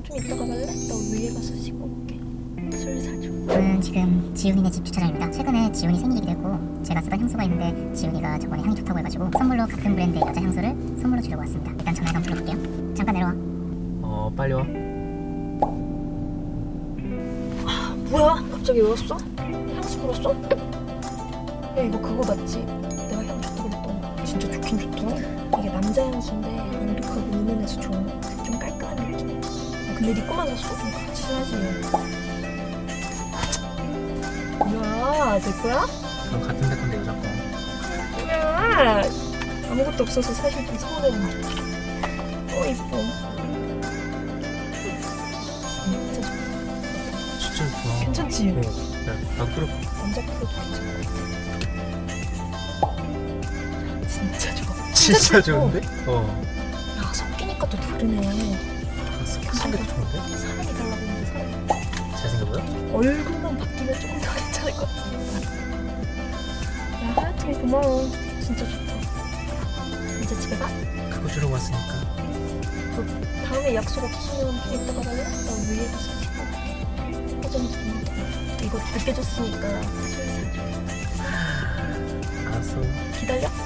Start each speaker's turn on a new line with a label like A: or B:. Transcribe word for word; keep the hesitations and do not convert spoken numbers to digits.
A: 좀 이따가 갈래? 나 위에 가서 씻고 올게. 술 사줘.
B: 저는 지금 지훈이네 집 주차장입니다. 최근에 지훈이 생일이기도 했고 제가 쓰던 향수가 있는데 지훈이가 저번에 향이 좋다고 해가지고 선물로 같은 브랜드의 여자 향수를 선물로 주려고 왔습니다. 일단 전화 한번 불러볼게요. 잠깐 내려와.
C: 어 빨리 와.
A: 뭐야? 갑자기 왜 왔어? 향수 불었어? 야 이거 그거 맞지? 내가 향 좋다고 그랬던 거. 진짜 좋긴 좋더라. 이게 남자 향수인데 은독하고 은은해서 좋은 좀 깔끔한 느낌. 아, 근데 네 거만 샀어? 좀 같이 사지. 뭐야? 내 거야?
C: 그럼 같은 데 건데 여자 거.
A: 뭐야? 아무것도 없어서 사실 좀 서운했는데. 어 이뻐. 진짜 좋아.
C: 진짜 좋아.
A: 괜찮지?
C: 어. 야, 나 끓여.
A: 남자 프로도 괜찮아. 진짜 좋아.
C: 진짜
A: 좋고.
C: 좋은데? 어.
A: 야 섞이니까 또 다르네.
C: 섞이니까 좋은데?
A: 사람이 달라 보이는데 사람이.
C: 잘생겨 보여?
A: 얼굴만 바뀌면 조금 더 괜찮을 것 같아. 야 하여튼 고마워. 진짜 좋다. 이제 집에 가?
C: 그거 주러 왔으니까.
A: 너 다음에 약속 없으면 좀 이따가 갈래? 나 위에 가서 씻고 올게. 화장이 좀 이거 늦게 줬으니까 술 사줘.
C: 알았어.
A: 기다려?